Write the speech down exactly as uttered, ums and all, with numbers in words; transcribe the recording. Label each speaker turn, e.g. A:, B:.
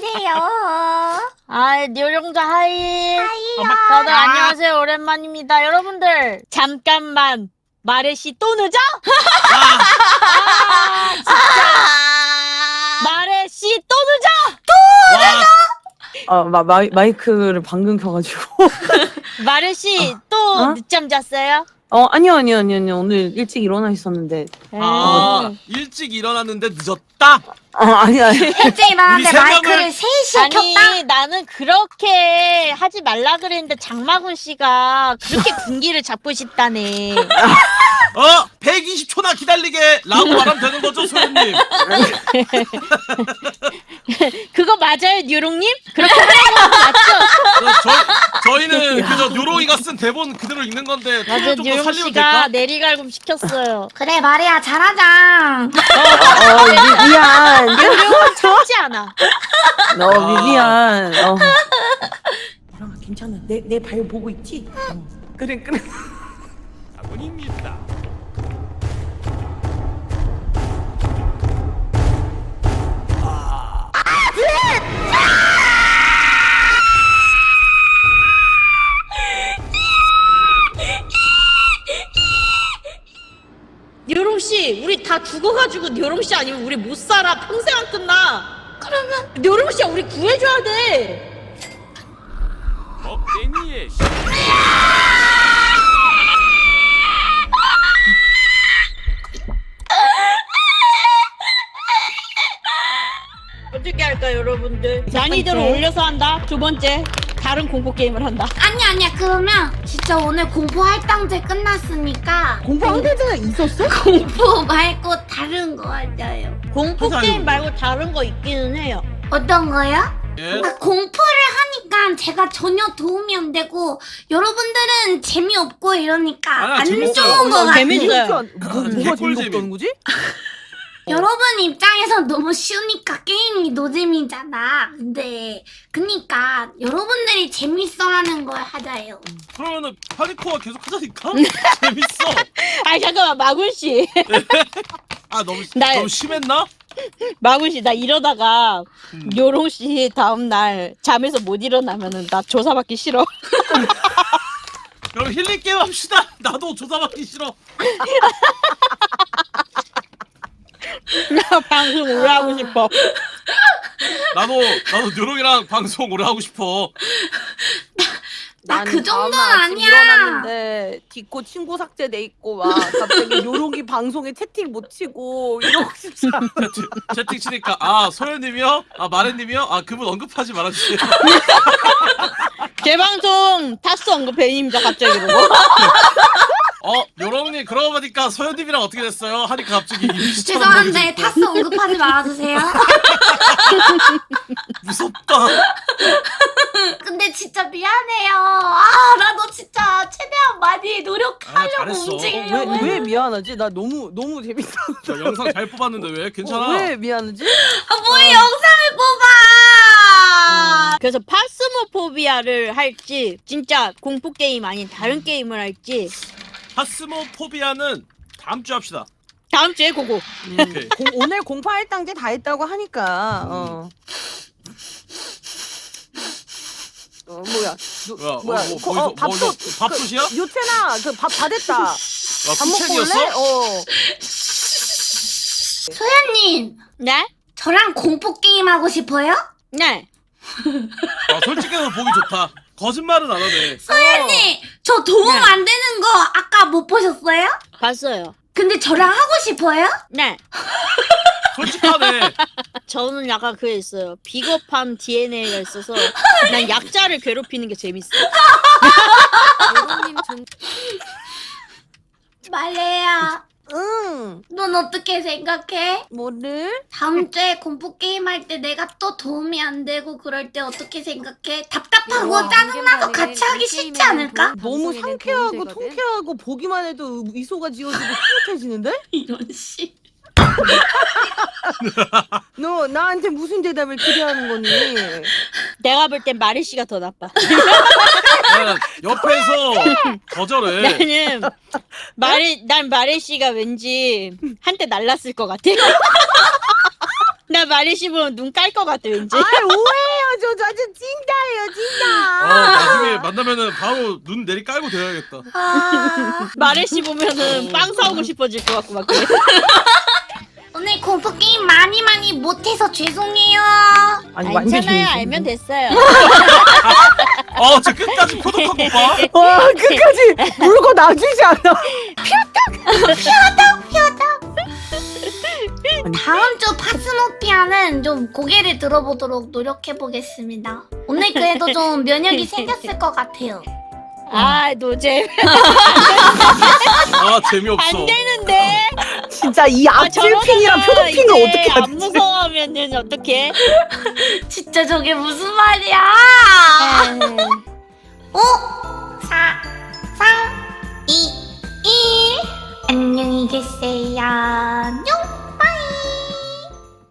A: 안녕하세요.
B: 아, 요령자 하이.
A: 하이요.
B: 다들 안녕하세요. 오랜만입니다. 여러분들, 잠깐만. 마레씨 또 늦어? 아, 진짜. 마레씨 또 늦어?
C: 또 늦어? 아, 마, 마이, 마이크를 방금 켜가지고.
B: 마레씨
C: 어.
B: 또
C: 어?
B: 늦잠 잤어요?
C: 어, 아니요, 아니요, 아니요, 아니요. 오늘 일찍 일어나 있었는데.
D: 아,
B: 음.
D: 일찍 일어났는데 늦었다?
C: 아, 아니, 아니.
A: 일찍 일어났는데
D: 우리 세 명을-
A: 마이크를 셋이
B: 아니,
A: 켰다?
B: 나는 그렇게 하지 말라 그랬는데 장마군 씨가 그렇게 군기를 잡고 싶다네.
D: 어? 백이십 초나 기다리게! 라고 말하면 되는 거죠, 소연님?
B: 그거 맞아요, 뉴롱님? 그렇게 하는 거 맞죠?
D: 저, 저희는 그저 요로이가 쓴 대본 그대로 읽는 건데
B: 맞아,
D: 좀더
B: 뉴롱
D: 살리면
B: 씨가
D: 될까?
B: 내리갈굼 시켰어요.
A: 그래 말이야 잘하자.
C: 어, 미, 미안.
B: 뉴롱은 참지 않아.
C: 너, 미, 미안. 어. 보람아, 괜찮아. 내, 내 발 보고 있지? 어. 그래, 그래.
D: 아군입니다.
B: 뉴롱 씨, 우리 다 죽어가지고 뉴롱 씨 아니면 우리 못 살아. 평생 안 끝나. 그러면 뉴롱 씨야, 우리 구해줘야 돼.
D: 먹쟁이의
B: 어떻게 할까, 여러분들? 난이도를 올려서 한다. 두 번째, 다른 공포 게임을 한다.
A: 아니 아니야 그러면 진짜 오늘 공포 할당제 끝났으니까
C: 공부 한대자가 있었어?
A: 공포 말고 다른 거 하자요.
B: 공포
D: 하자,
B: 게임
D: 이거.
B: 말고 다른 거 있기는 해요.
A: 어떤 거요?
D: 예?
A: 아, 공포를 하니까 제가 전혀 도움이 안 되고 여러분들은 재미없고 이러니까
D: 아니야,
A: 안
D: 재밌어요.
A: 좋은 거 같아요.
B: 재밌어요.
C: 뭐, 뭐가
D: 개꿀잼이.
C: 재미없다는 거지?
A: 여러분 입장에서 너무 쉬우니까 게임이 노잼이잖아. 근데 그니까 여러분들이 재밌어하는 걸 하자요.
D: 그러면은 파리코가 계속 하자니까? 재밌어.
B: 아 잠깐만, 마군 씨.
D: 아 너무
B: 나-
D: 너무 심했나?
B: 마군 씨, 나 이러다가
D: 음.
B: 요롱 씨 다음 날 잠에서 못 일어나면은 나 조사받기 싫어.
D: 그럼 힐링 게임 합시다. 나도 조사받기 싫어.
B: 나 방송 오래 하고 싶어.
D: 나도 나도 요롱이랑 방송 오래 하고 싶어.
A: 나 그
C: 나는
A: 정도는
C: 다음날 아침
A: 아니야.
C: 일어났는데 뒷고 친구 삭제돼 있고 막 갑자기 요록이 방송에 채팅 못 치고 이러고 싶지 않아.
D: 채팅, 채팅 치니까 아 소연님이요? 아 마레님이요? 아 그분 언급하지 말아주세요.
B: 재방송 타스 언급해입니다 갑자기 그러고.
D: 어 요롱님 그러고 보니까 소연님이랑 어떻게 됐어요? 하니까 갑자기 이미지처럼
A: 죄송한데
D: 보여지고.
A: 타스 언급하지 말아주세요.
D: 무섭다.
A: 근데 진짜 미안해요. 아 나도 진짜 최대한 많이
D: 아,
A: 노력하려고
D: 잘했어.
A: 움직이려고.
C: 왜, 왜 미안하지? 나 너무 너무 재밌어.
D: 저 영상 잘 뽑았는데 왜 괜찮아?
C: 어, 왜 미안하지?
A: 아, 뭘 영상을 뽑아.
B: 그래서 파스모포비아를 할지 진짜 공포 게임 아닌 다른 게임을 할지
D: 파스모포비아는 다음 주 합시다.
B: 다음 주에 고고.
D: 오케이.
C: 공, 오늘 공파 일당제 다 했다고 하니까 어. 어 뭐야? 누,
D: 뭐야? 어,
C: 뭐야?
D: 뭐,
C: 거-
D: 거기서
C: 어, 밥솥
D: 뭐, 이거 밥솥이야?
C: 그, 요채나 그 밥 다 됐다.
D: 아,
C: 밥 먹고 올래?
D: 푸첸이었어?
C: 어.
A: 소연님
B: 네?
A: 저랑 공포 게임 하고 싶어요?
B: 네.
D: 아, 솔직해서 보기 좋다. 거짓말은 안 하네.
A: 소연님 저 도움
B: 네.
A: 안 되는 거 아까 못 보셨어요?
B: 봤어요.
A: 근데 저랑 하고 싶어요?
B: 네.
D: 솔직하네.
B: 저는 약간 그게 있어요. 비겁한 디엔에이가 있어서 난 약자를 괴롭히는 게 재밌어.
A: 말레야
C: 응.
A: 넌 어떻게 생각해?
C: 뭐를?
A: 다음 주에 공포 게임 할 때 내가 또 도움이 안 되고 그럴 때 어떻게 생각해? 답답하고
C: 우와,
A: 짜증나서 같이 하기 싫지 않을까?
C: 너무 상쾌하고 통쾌하고 보기만 해도 미소가 지어지고 뿌듯해지는데?
A: 이런 씨.
C: 너 나한테 무슨 대답을 기대하는 거니?
B: 내가 볼 땐 마리 씨가 더 나빠.
D: 야, 옆에서 거절해.
B: 나는 마리 난 마리 씨가 왠지 한때 날랐을 것 같아. 나 마리 씹으면 눈 깔 것 같아 왠지.
C: 아 오해요. 저 완전 찐따예요
D: 어,
C: 찐따.
D: 나중에 만나면은 바로 눈 내리 깔고 대야겠다.
A: 아,
B: 마리 씹으면은 빵 사오고 싶어질 것 같고 막 그래.
A: 오늘 공포 게임 많이 많이 못해서 죄송해요.
C: 아니 완전
B: 괜찮아요.
C: 재밌어.
B: 알면 됐어요.
D: 어, 저 끝까지 포독한 거 봐.
C: 와 끝까지 물고 놔주지 않아.
A: 다음 주 파스모피아는 좀 고개를 들어보도록 노력해 보겠습니다. 오늘 그래도 좀 면역이 생겼을 것 같아요.
B: 아 노잼.
D: 아, 재미없어.
B: 안 되는데.
C: 진짜 이
B: 아,
C: 앞줄핑이랑
B: 저러다가
C: 표독핑을
B: 이제
C: 어떻게
B: 안
C: 하지?
B: 무서워하면은 어떡해?
A: 진짜 저게 무슨 말이야? 오, 사, 삼, 이, 일. 안녕히 계세요. 뿅.